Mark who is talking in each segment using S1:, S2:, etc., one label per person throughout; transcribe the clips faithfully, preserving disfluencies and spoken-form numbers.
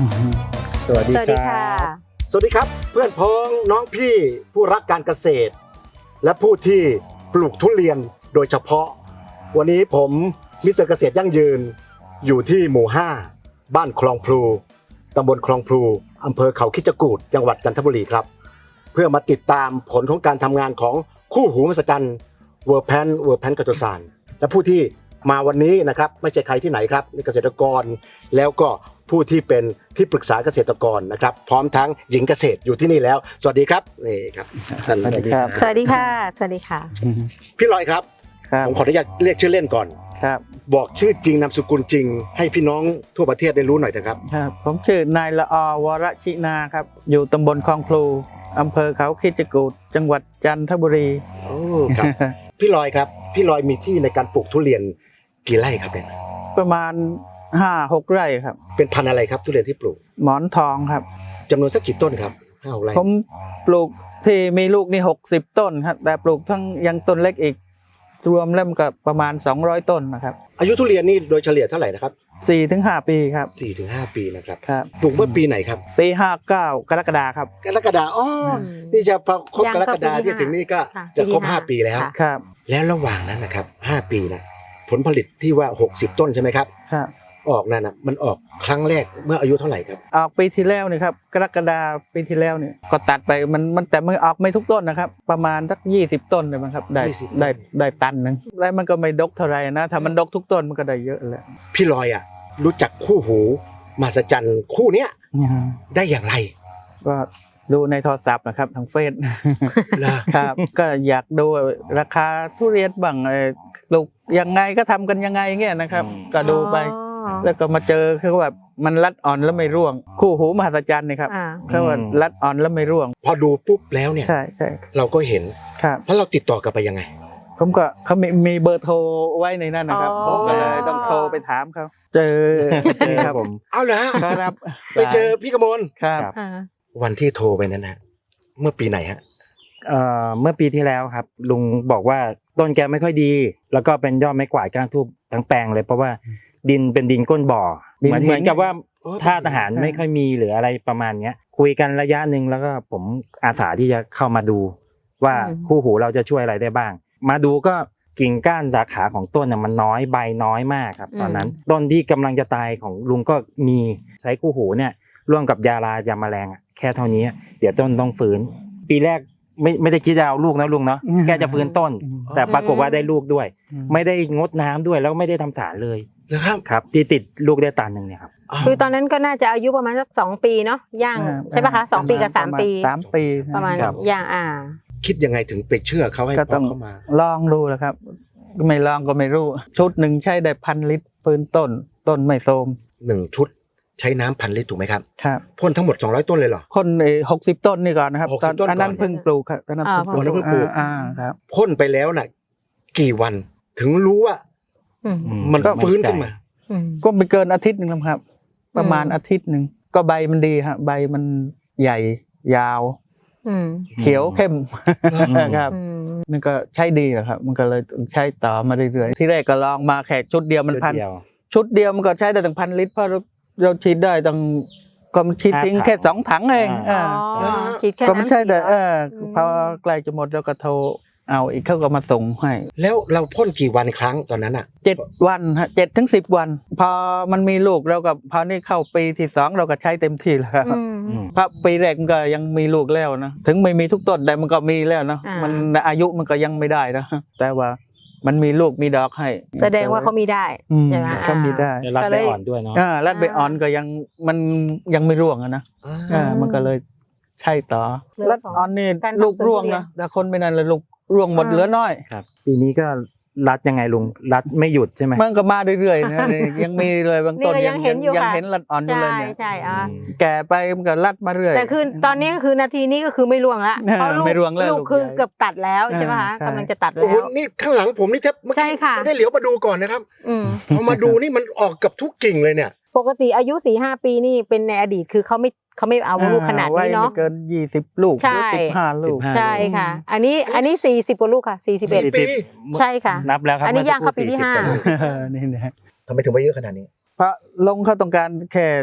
S1: สวัสดีค่ะ
S2: สวัสดีครับเพื่อนพ้องน้องพี่ผู้รักการเกษตรและผู้ที่ปลูกทุเรียนโดยเฉพาะวันนี้ผมมิสเตอร์เกษตรยั่งยืนอยู่ที่หมู่ห้าบ้านคลองพลูตำบลคลองพลูอำเภอเขาคิดจกูฏจังหวัดจันทบุรีครับเพื่อมาติดตามผลของการทำงานของคู่หูมหัศจรรย์เวอร์แพนเวอร์แพนกัตโตซานและผู้ที่มาวันนี้นะครับไม่ใช่ใครที่ไหนครับนี่เกษตรกรแล้วก็ผู้ที่เป็นที่ปรึกษาเกษตรกรนะครับพร้อมทั้งหญิงเกษตรอยู่ที่นี่แล้วสวัสดีครับนี่ครับท่าน
S1: สวัสดีครับ
S3: สวัสดีค่ะสวัสดีค่ะ
S2: พี่ลอยครับ
S1: ครับ
S2: ผมขออนุญาตเรียกชื่อเล่นก่อน
S1: ครับ
S2: บอกชื่อจริงนามสกุลจริงให้พี่น้องทั่วประเทศได้รู้หน่อยนะครับ
S1: ครับผมชื่อนายละอวรชินาครับอยู่ตำบลคลองพลูอำเภอเขาคิดจกูฏจังหวัดจันทบุรี
S2: โอ้ครับ พี่ลอยครับพี่ลอยมีที่ในการปลูกทุเรียนกี่ไร่ครับเนี่ย
S1: ประมาณห้าหกไร่ครับ
S2: เป็นพันธุ์อะไรครับทุเรียนที่ปลูก
S1: หมอนทองครับ
S2: จำนวนสักกี่ต้นครับห้าหกไร่
S1: ผมปลูกที่มีลูกนี่หกสิบต้นครับแต่ปลูกทั้งยังต้นเล็กอีกรวมแล้วมันก็ประมาณสองร้อยต้นนะครับ
S2: อายุทุเรียนนี่โดยเฉลี่ยเท่าไหร่นะครับ
S1: สี่ถึงห้าปีครับ
S2: สี่ถึงห้าปีนะครับ
S1: ครับ
S2: ปลูกเมื่อปีไหนครับ
S1: ปีห้าเก้ากรกฎาครับ
S2: กรกฎาอ๋อนี่จะพอครบกรกฎาที่ถึงนี่ก็
S3: ค่ะ
S2: จะครบ
S3: ปีที่
S2: ห้า
S3: ห้า
S2: ปีแล้ว
S3: ค่ะ
S1: ครับ
S2: แล้วระหว่างนั้นนะครับห้าปีนะผลผลิตที่ว่าหกสิบต้นใช่ไหมครับ
S1: ครับ
S2: ออกนั่นนะมันออกครั้งแรกเมื่ออายุเท่าไหร่ครับ
S1: ออกปีที่แล้วนี่ครับกรกฎาปีที่แล้วเนี่ยก็ตัดไปมันมันแต่มันออกไม่ทุกต้นนะครับประมาณสักยี่สิบต้นเลยมั้งครับได้
S2: ยี่สิบต้น
S1: ได้ได้ตันหนึงแล้วมันก็ไม่ดกเท่าไหร่นะถ้ามันดกทุกต้นมันก็ได้เยอะแหละ
S2: พี่ลอยอ่ะรู้จักคู่หูมหัศจรรย์คู่เนี้ยได้อย่างไร
S1: ก็ดูในโทรศัพท์นะครับทางเฟซ
S2: ล่ะ
S1: ครับ ก็อยากดูราคาทุเรียนบ้างเอ่อปลูกยังไงก็ทำกันยังไงเงี้ยนะครับ ก็ดูไป
S3: อ๋อ
S1: แล้วก็มาเจอคือแบบมันรัดอ่อนแล้วไม่ร่วง คู่หูมหัศจรรย์นี่ครับ
S3: อ่า
S1: เขาว่ารัดอ่อนแล้วไม่ร่วง
S2: พอดูปุ๊บแล้วเนี่ย
S1: ใช่ใช่
S2: เราก็เห็น
S1: ครับ
S2: แล้วเราติดต่อกลับไปยังไง
S1: ผมก็เขามีมีเบอร์โทรไว้ในนั้นนะครับ
S3: อ๋อ
S1: ผมก็เลยต้องโทรไปถามเขาเจอเจอครับผม
S2: เอาเหรอฮะ
S1: ครับ
S2: ไปเจอพี่กมล
S1: ครับ
S3: อ่า
S2: วันที่โทรไปนั้นนะเมื่อปีไหนฮะ
S4: เอ่อเมื่อปีที่แล้วครับลุงบอกว่าต้นแกไม่ค่อยดี แล้วก็เป็นยอดไม้กวาดก้านทูบทั้งแปลงเลยเพราะว่าดินเป็นดินก้นบ่อ
S1: ดิน
S4: เหมือน
S1: หิน
S4: เหมือนกับว่า
S2: อ๋อ
S4: ท่าทหารไม่ค่อยมีหรืออะไรประมาณเนี้ยคุยกันระยะหนึ่งแล้วก็ผมอาสาที่จะเข้ามาดู ว่าคู่หูเราจะช่วยอะไรได้บ้าง มาดูก็กิ่งก้านสาขาของต้นน่ะมันน้อยใบน้อยมากครับตอนนั้นต้นที่กำลังจะตายของลุงก็มีใช้คู่หูเนี่ยร่วมกับยาลายาแมลงอะแค่เท่านี้เดี๋ยวต้นต้องฟื้น ปีแรกไม่ไม่ได้คิดจะเอาลูกนะลุงเนาะแค่จะฟื้นต้น แต่ปรากฏว่าได้ลูกด้วย ไม่ได้งดน้ำด้วยแล้วไม่ได้ทำสารเลย
S2: เหรอครับ
S4: ครับที่ติดลูกได้ตันหนึ่งเนี่ยครับ
S3: คือตอนนั้นก็น่าจะอายุประมาณสักสองปีเนาะย่าง
S1: อ่า
S3: ใช่ปะคะสองปีกับสามปี
S1: สามปี
S3: ประมาณ
S4: ครับ
S3: ย่างอ่า
S2: คิดยังไงถึงไปเชื่อเขาให้
S1: ก็
S2: พ่
S1: ต้
S2: อ
S1: อง
S2: เข้ามา
S1: ลองดูนะครับ ไม่ลองก็ไม่รู้ ชุดหนึ่งใช้ได้พันลิตรฟื้นต้น ต้นไม่โทรม
S2: หนึ่งชุดใช้น้ำพันลิตรถูกไหมครับ
S1: ครับ
S2: พ่นทั้งหมดสองร้อยต้นเลยเหรอ
S1: คนหกสิบต้นนี่ก่อนนะครับ
S2: หกสิบต้นก่อน
S1: อันนั้นเพิ่งปลูกครับอันนั้น
S3: อ่า
S1: เพิ่งปลูก
S2: อ๋อแล้วเพิ่งปลูก
S1: อ่าครับ
S2: พ่นไปแล้วน่ะกี่วันถึงรู้ว่า
S3: อืม
S4: อื
S2: มัน
S4: ก็
S2: ฟื้นขึ้นมา
S3: อืม
S1: ก็ไม่เกินอาทิตย์หนึ่งแล้วครับ ประมาณ
S3: อืม
S1: อาทิตย์หนึ่งก็ใบมันดีฮะใบมันใหญ่ยาว
S3: อืม
S1: เขียวเข้ม
S4: อืม
S1: ครับ
S3: อืม
S1: มันก็ใช้ดีแหละครับ มันก็เลยใช้ต่อมาเรื่อยๆที่แรกก็ลองมาแขกชุดเดียวมันพัน
S4: ชุดเดียว
S1: ชุดเดียวมันก็ใช้ได้ตั้งพันลิตรเพราะเราเราฉีดได้ตั้งก็มันฉีดทิ้ง
S4: ห้าถัง
S1: แค่สองถังเอง
S4: อ่า
S1: เออ
S3: อ๋อคิดแค่
S1: ก็ไม่
S3: นั้น
S1: ใช่แต่เออ
S3: อืม
S1: พอใกล้จะหมดเราก็โทรเอาอีกเขาก็มาส่งให้
S2: แล้วเราพ่นกี่วันครั้งตอนนั้นอ่ะ
S1: เจ็ดวันฮะเจ็ดถึงสิบวัน พอมันมีลูกเรากับพอนี่เข้าปีที่สองเราก็ใช้เต็มที่แล้ว
S3: อืม
S4: อืม
S1: เพราะปีแรกมันก็ยังมีลูกแล้วนะถึงไม่มีทุกต้นแต่มันก็มีแล้วนะ
S3: อ่ามั
S1: มันอายุมันก็ยังไม่ได้นะแต่ว่ามันมีลูกมีดอกให้
S3: แสดงว่าเขามีได้
S1: อืม
S3: ใช่ไหม
S1: เขามีได้
S4: ได้รับ
S3: ก็
S4: ใบ
S3: เลย
S4: อ่อนด้วยเนาะ
S1: อ่ารัดใบอ่อนก็ยังมันยังไม่ร่วงอะนะ
S2: อ่า
S1: อ่ามันก็เลยใช่ต่อ
S3: เรื่อง
S1: รัดอ่อนนี่
S3: การทำ
S1: ลูกร่วง
S3: สวนทุเรียน
S1: นะแต่คนไม่นานเลยลูกร่วงหมด
S3: อ่า
S1: เหลือน้อย
S4: ครับปีนี้ก็รัดยังไงลุงรัดไม่หยุดใช่ไหม
S1: มันก็มาเรื่อยๆนะนี่ยังมีเลยบางต้น
S3: นี่ก็ยังเห็นอยู่
S1: ยัง
S3: ค่ะ
S1: เห็นรัดอ่อนอยู่
S3: ใช่
S1: เลยเนี่ย
S3: ใช่อ่า
S4: อืม
S1: แก่ไปมันก็รัดมาเรื่อย
S3: แต่คือตอนนี้ก็คือนาทีนี้ก็คือไม่ร่วงละ
S1: อ่า
S3: เพราะลูก
S1: ไม่ร่วงแล้ว
S3: ลูก
S1: ลูก
S3: คือ
S1: ใหญ่
S3: เกือบตัดแล้วใช่ไหมคะ
S1: อ่าใช่
S3: กำลังจะตัด
S2: โอ้
S3: แล้
S2: โห
S3: ว
S2: นี่ข้างหลังผมนี่แทบเมื่อ
S3: ใช่
S2: กี้
S3: ค่ะ
S2: ไม่ได้เหลียวมาดูก่อนนะครับ
S3: อืม
S2: พอมาดูนี่มันออกกับทุกกิ่งเลยเนี่ย
S3: ปกติอายุสี่ห้าปีนี่เป็นในอดีตคือเขาไม่เขาไม่เอาลูกขนาดนี้เนาะ
S1: ไว้ไม่เกินยี่สิบลูก
S3: ใช่
S1: หรือสิบห้าลูก
S4: สิบห้า
S3: ใช่ค่ะ อันนี้อันนี้สี่สิบกว่าลูกค่ะสี่สิบเอ็ด
S2: สี่ ปี
S3: ใช่ค่ะ
S4: นับแล้วครับ
S3: อันนี้ย่างเข้าปีที่ห้า
S4: มื่อสักครู่สี่สิบกว่ลูก
S1: นี่นะ
S2: ทำไมถึงไปเยอะขนาดนี้
S1: เพราะลงเขาต้องการแค่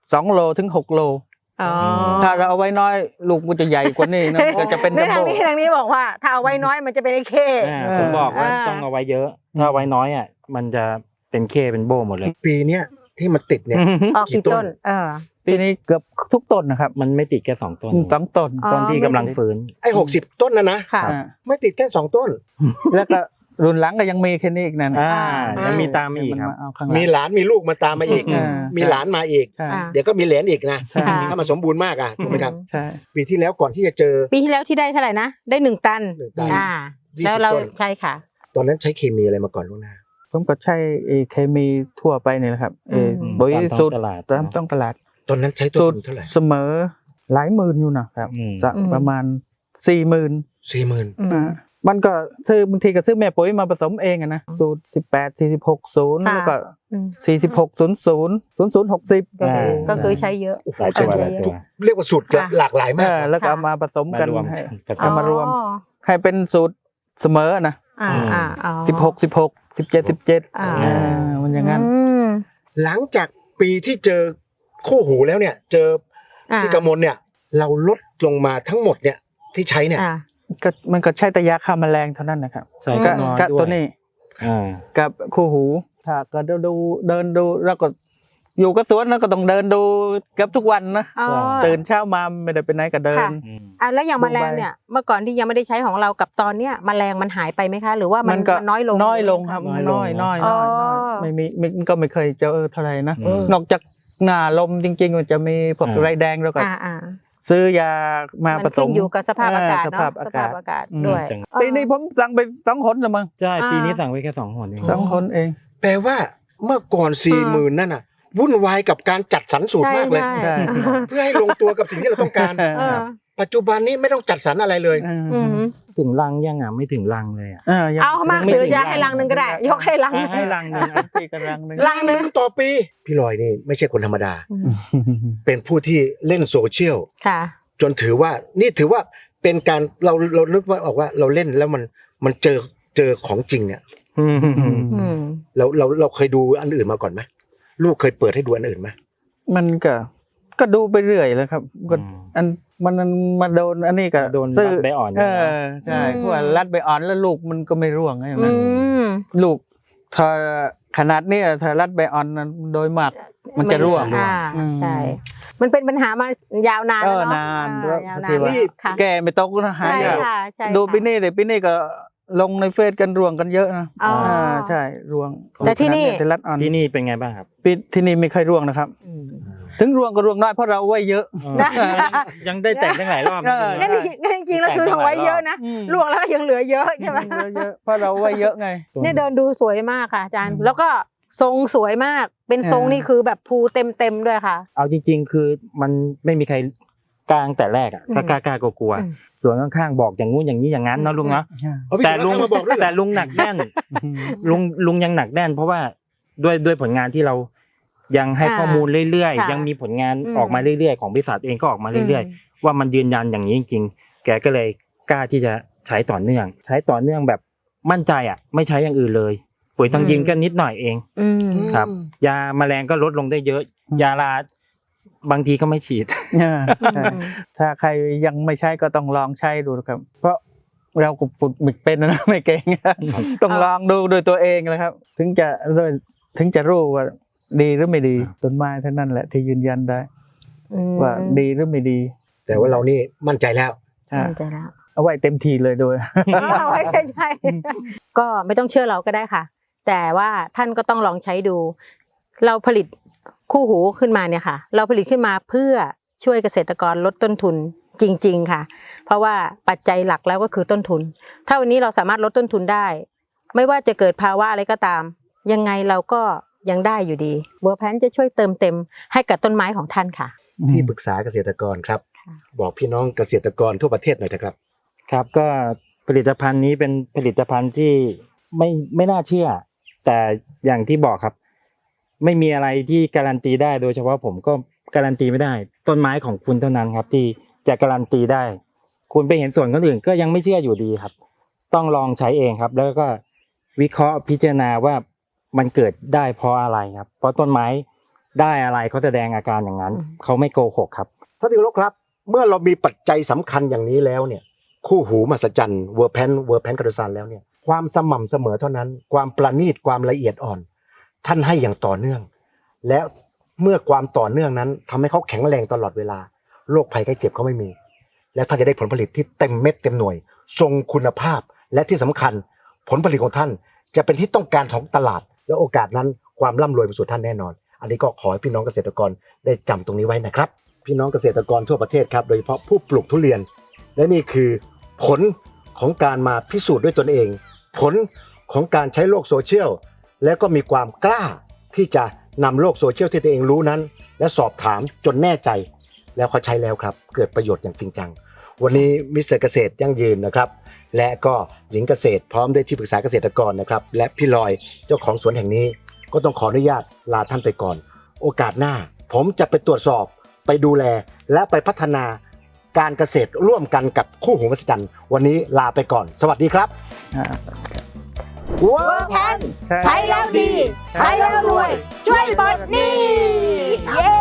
S1: สองโลถึงหกโล
S3: อ๋อ
S1: ถ้าเราเอาไว้น้อยลูกมันจะใหญ่กว่านี้นะก็จะเป็น
S3: ใน
S1: จัม
S3: ทาง
S1: โบ้
S3: นี้ทางนี้บอกว่า ถ้าเอาไว้น้อยมันจะเป็นไอ้เข้
S4: อ่าผมบอกว่า
S3: อ่า
S4: ต้องเอาไว้เยอะ ถ้าเอาไว้น้อยอ่ะมันจะเป็นเคเป็นโบหมดเลย
S2: ปีเนี้ยที่มันติดเนี่ย
S3: ออกกี่ต้น เออ
S1: ปีนี้เกือบทุกต้นนะครับ
S4: มันไม่ติดแค่สองต้น
S1: สองต้น
S3: อ๋อ
S4: ต้นที่กำลังฟื้น
S2: ไอ้หกสิบต้นนะนะ
S3: ค่ะ
S1: อ่า
S2: ไม่ติดแค่สองต้น
S1: แล้วก็รุ่นหลังก็ยังมีแค่นี้อีกนั่น
S4: อ่า
S3: อ่ายั
S4: ยังมีตามมาอีก
S1: มัน
S4: ครับ
S1: มาเอาข้างหลัง
S2: มีหลานมีลูกมาตามมาอีก
S1: อ่า
S2: มีหลานมาอีก
S1: ใช่
S3: อ่า
S2: เดี๋ยวก็มีเหลนอีกนะ
S1: ใช่
S3: ค่ะ
S2: ถ้ามันสมบูรณ์มากอ่ะถูกไหมครับ
S1: ใช่
S2: ปีที่แล้วก่อนที่จะเจอ
S3: ปีที่แล้วที่ได้เท่าไหร่นะ ได้หนึ่งตัน
S2: หนึ่งตัน
S3: อ่า
S2: ยี่สิบ
S3: แล้วเรา
S2: ต้น
S3: ใช่ค่ะ
S2: ตอนนั้นใช้เคมีอะไรมาก่อนล่วงหน้า
S1: ผมก็ใช้เอเคมีทั่วไปนี่แหละครับเออ
S3: อืม
S1: ปุ๋ย
S4: ตามท้อง
S1: สูตร
S4: ตลาด
S1: ตามต้องตลาด
S2: ตอนนั้นใช้ต้น
S1: สูต
S2: ทุ
S1: ร
S2: นเท่าไหร่
S1: เสมอหลายหมื่นอยู่นะครับ
S4: อืม
S1: สัก
S3: อืม
S1: ประมาณสี่หมื่น
S2: สี่หมื่น
S3: อืม
S1: อ่ามันก็ซื้อบางทีก็ซื้อแม่ปุ๋ยมาผสมเองอะนะสูตรสิบแปดสี่สิบหกศูนย์
S3: ค่ะ
S1: แล้วก็
S3: อืม
S1: สี่สิบหกศูนย์ศูนย์ศูนย์ศูนย์หกสิบ
S3: ก็คือ
S4: อ่า
S3: ก็คือใช้เยอะ
S4: หลายตัว
S3: เออ
S4: หลายตัว
S2: เรียกว่าสูตร
S3: ค่ะ
S2: หลากหลายมาก
S1: แล้วก็
S3: ค่ะ
S1: เอามาผสมกัน
S4: มารวม
S1: ให้
S4: กัน
S1: เอามารวม
S3: อ๋อ
S1: ให้เป็นสูตรเสมอนะ
S3: อ่าอ่าอ๋อ
S1: สิบหกสิบหกสิบเจ็ดสิบเจ็ด
S3: อ่า
S1: อ่ามันอย่างนั้น
S3: อืม
S2: หลังจากปีที่เจอคู่หูแล้วเนี่ย เจอ
S3: อ่า
S2: พี่กมลเนี่ย เราลดลงมาทั้งหมดเนี่ยที่ใช้เนี่ย
S3: อ่า
S1: ก็มันก็ใช้แต่ยาฆ่าแมลงเท่านั้นนะครับ
S4: ใช่
S3: อืม
S4: ก็
S1: ก็
S4: น้อย
S1: ก็
S4: ด้ว
S1: ตัวย นี้
S4: อ่า
S1: กับคู่หูถ้าก็ดูดูเดินดูแล้วก็อยู่กับสวนแล้วก็ต้องเดินดูเกือบทุกวันนะ
S3: อ๋อ
S1: ตื่นเช้ามาไม่ได้ไปไหนก็เดิน
S3: ค่ะ
S4: อืม
S3: อ่ะแล้วอย่าง
S1: ดู
S3: แมลง
S1: ใบ
S3: เนี่ยเมื่อก่อนที่ยังไม่ได้ใช้ของเรากับตอนเนี้ยแมลงมันหายไปไหมคะ หรือว่ามัน
S1: ก็
S3: มันน้อยลง
S1: น้อยลงครับ
S4: น้อยลง
S1: น้อยน้อย
S3: อ๋
S1: น้
S3: อ
S1: อยน้อยไม่มีมันก็ไม่เคยเจอเท่าไหร่นะ
S4: อืม
S1: นอกจากหน้าลมจริงๆมันจะมีพวก
S4: อ่า
S1: ไรแดงแล้วก็
S3: อ่าอ่า
S1: ซื้อยามาผ
S3: มัน
S1: ส
S3: ขึ้
S1: ม
S3: นอยู่กับสภาพอากาศ
S1: ส
S3: เนาะ
S1: ภาพ
S3: ส
S1: อา
S3: ภาก
S1: า
S3: พ
S1: ศ
S3: อากาศ
S1: อืม
S3: ด้วย
S4: จัง
S1: ปีนี้ผมสั่งไปสองหนละมั้ง
S4: ใช่
S3: อ่า
S4: ปีนี้สั่งไว้แค่สองหนเอง
S1: สองหนเอง
S2: แปลว่าเมื่อก่อนสี่หมื่นนั่นน่ะ วุ่นวายกับการจัดสรรสูตรมากเลย
S3: ใช่
S1: ใช่
S2: เพื่อให้ลงตัวกับสิ่งที่เราต้องการ
S3: เออ
S2: ปัจจุบันนี้ไม่ต้องจัดสรรอะไรเลย
S3: อืม
S4: ถึงรังยังอ่ะไม่ถึงรังเลยอ่ะ
S1: ยัง
S3: เอามาก
S1: ยัง
S3: สุด
S1: ไถึง
S3: จะให้ลังหนึ่งก็ได้ ยกให้ลังหนึ่ง
S4: ให้รังหนึง
S1: พี่กำลังหนึ่ง
S3: ลังหนึ่ง
S2: ต่อปี พี่ลอยนี่ไม่ใช่คนธรรมดา
S3: อืม
S2: เป็นผู้ที่เล่นโซเชียล
S3: ค่ะ
S2: จนถือว่านี่ถือว่าเป็นการเราเรานึกว่าออกว่าเราเล่นแล้วมันมันเจอเจอของจริงเนี่ย
S4: อืม
S3: อืม
S2: เราเราเราเคยดูอันอื่นมาก่อนไหมลูกเคยเปิดให้ดูอันอื่นไหม
S1: มันก็ก็ดูไปเรื่อยแล้วครับก็อันมันมันมาโดนอันนี้ก็
S4: โดน
S1: ซื้
S4: รัดใบอ่อน
S1: เอ
S4: เนี่ยนะ
S1: อใช่
S3: อืม
S1: เพราะว่ารัดใบอ่อนแล้วลูกมันก็ไม่ร่วงอย่าง
S3: อื
S1: นั้น
S3: ม
S1: ลูกถ้าขนาดเนี้ยถ้ารัดใบอ่อนนั้นโดยมาก มันจะร่วง
S3: อ่า
S1: อืม
S3: ใช่ มันเป็นปัญหามายาวนาน
S1: เอ
S3: แล้ว
S1: อ
S3: เนาะ
S1: นาน
S3: อ่ายาวนาน
S1: ที่ว่า
S3: แล้วค่ะ
S1: แก่ไม่ตกนะหา
S3: ใช่
S1: ยาก
S3: ค่ะใช่
S1: ดู
S3: ค่ะ
S1: ปีนี้แต่ปีนี้ก็ลงในเฟซกันร่วงกันเยอะนะ
S3: อ๋ออ่
S1: าใช่ร่วง
S3: แต่ที่นี่
S1: ขดเยแต่รัดอ่อน
S4: ที่นี่เป็นไงบ้างครับ
S1: ปีที่นี่ไม่ค่อยร่วงนะครับ
S3: อืม
S1: ถึงร่วงก็ร่วงน้อยเพราะเราไว้เยอะ
S3: นะ
S4: ยังได้แต่งตั้งหลายรอบนะ
S1: เออ
S3: นั่นจริงนั่นจริงๆแล้วคือเอาไว้เยอะนะ
S1: อืม
S3: ลวงแล้วก็ยังเหลือเยอะใช่ไหม
S1: เยอะๆเพราะเราไว้เยอะไง
S3: เนี่ยเดินดูสวยมากค่ะอาจารย์
S1: อืม
S3: แล้วก็ทรงสวยมาก เป็นทรง
S1: เออ
S3: นี่คือแบบภูเต็มเต็มๆด้วยค่ะ
S4: เอาจริง ๆ คือมันไม่มีใครกลางแต่แรกอ่ะ
S3: อืม
S4: ก็กล้ากล้ากลัว
S3: อืม
S4: ๆส่วนข้างๆบอกอย่างงู้นอย่างนี้อย่างนั้นเนาะลุงเนาะ
S2: เอาพี่
S4: แต่
S2: สุ
S4: ลุ
S2: รง คมาบอกด้วยเหร
S4: แต่
S2: อ
S4: ลุงหนักแน่น ลุงลุงยังหนักแน่น เพราะว่าด้วยด้วยผลงานที่เรายังให้
S3: อ่า
S4: ข้อมูลเรื่อย
S3: ค่ะ
S4: ๆ ยังมีผลงาน
S3: อืม
S4: ออกมาเรื่อยๆของบริษัทเองก็ออกมาเรื่อยๆ ว่ามันยืนยันอย่างนี้จริงๆ แกก็เลยกล้าที่จะใช้ต่อเนื่อง ใช้ต่อเนื่องแบบมั่นใจอ่ะ ไม่ใช้อย่างอื่นเลย ปุ๋ยทางดินก็นิดหน่อยเอง
S3: อืม
S4: ครับ ยาแมลงก็ลดลงได้เยอะ
S1: อืม
S4: ยาลาบางทีก็ไม่ฉีด
S1: อ่าใช่ถ้าใครยังไม่ใช้ก็ต้องลองใช้ดูนะครับ เพราะเราก็ปุดมิกเป็นนะ ไม่เก่ง ต้องลองดูโดวยตัวเองนะครับ ถึงจะด้วยถึงจะรู้ว่าดีหรือไม่ดี
S4: ครับ
S1: ต้นไม้เท่านั้นแหละที่ยืนยันได้
S3: อืม
S1: ว่าดีหรือไม่ดี
S2: แต่ว่าเรานี่มั่นใจแล้ว
S1: อ่า
S3: มั่นใจแล้ว
S1: เอาไว้เต็มทีเลยโดย
S3: เอาไว้ใช่ใช่ก็ไม่ต้องเชื่อเราก็ได้ค่ะ แต่ว่าท่านก็ต้องลองใช้ดู เราผลิตคู่หูขึ้นมาเนี่ยค่ะ เราผลิตขึ้นมาเพื่อช่วยเกษตรกรลดต้นทุนจริง ๆ ค่ะ เพราะว่าปัจจัยหลักแล้วก็คือต้นทุน ถ้าวันนี้เราสามารถลดต้นทุนได้ ไม่ว่าจะเกิดภาวะอะไรก็ตาม ยังไงเราก็ยังได้อยู่ดีเวอร์แพนจะช่วยเติมเต็มให้กับต้นไม้ของท่านค่ะ
S2: ที่ปรึกษาเกษตรกรครับ
S3: ค่ะ
S2: บอกพี่น้องเกษตรกรทั่วประเทศหน่อยนะครับ
S4: ครับก็ผลิตภัณฑ์นี้เป็นผลิตภัณฑ์ที่ไม่ไม่น่าเชื่อ แต่อย่างที่บอกครับ ไม่มีอะไรที่การันตีได้โดยเฉพาะผมก็การันตีไม่ได้ ต้นไม้ของคุณเท่านั้นครับ ที่จะการันตีได้ คุณไปเห็นส่วนคนอื่นก็ยังไม่เชื่ออยู่ดีครับ ต้องลองใช้เองครับ แล้วก็วิเคราะห์พิจารณาว่ามันเกิดได้เพราะอะไรครับ เพราะต้นไม้ได้อะไรเขาแสดงอาการอย่างนั้น
S3: อืม
S4: เขาไม่โกหกครับ
S2: ท่านที่เคารพครับ เมื่อเรามีปัจจัยสำคัญอย่างนี้แล้วเนี่ยคู่หูมหัศจรรย์เวอร์แพนเวอร์แพนคาร์ซานแล้วเนี่ยความสม่ำเสมอเท่านั้น ความประณีตความละเอียดอ่อน ท่านให้อย่างต่อเนื่อง และเมื่อความต่อเนื่องนั้นทำให้เขาแข็งแรงตลอดเวลาโรคภัยไข้เจ็บเขาไม่มี และท่านจะได้ผลผลิตที่เต็มเม็ดเต็มหน่วย ทรงคุณภาพ และที่สำคัญผลผลิตของท่านจะเป็นที่ต้องการของตลาด และโอกาสนั้นความร่ำรวยมาสู่ท่านแน่นอน อันนี้ก็ขอให้พี่น้องเกษตรกรได้จำตรงนี้ไว้นะครับ พี่น้องเกษตรกรทั่วประเทศครับโดยเฉพาะผู้ปลูกทุเรียน และนี่คือผลของการมาพิสูจน์ด้วยตนเอง ผลของการใช้โลกโซเชียลและก็มีความกล้าที่จะนำโลกโซเชียลที่ตัวเองรู้นั้น และสอบถามจนแน่ใจ แล้วเขาใช้แล้วครับเกิดประโยชน์อย่างจริงจังวันนี้มิสเตอร์เกษตรยั่งยืนนะครับและก็หญิงเกษตรพร้อมด้วยที่ปรึกษาเกษตรกรนะครับและพี่ลอยเจ้าของสวนแห่งนี้ก็ต้องขออนุญาตลาท่านไปก่อน โอกาสหน้าผมจะไปตรวจสอบไปดูแลและไปพัฒนาการเกษตรร่วมกันกับคู่หูมหัศจรรย์วันนี้ลาไปก่อน สวัสดีครับ
S1: อ่า
S3: เวอร์แพนใช้แล้วดี ใช้แล้วรวย ช่วยปลดหนี้เย้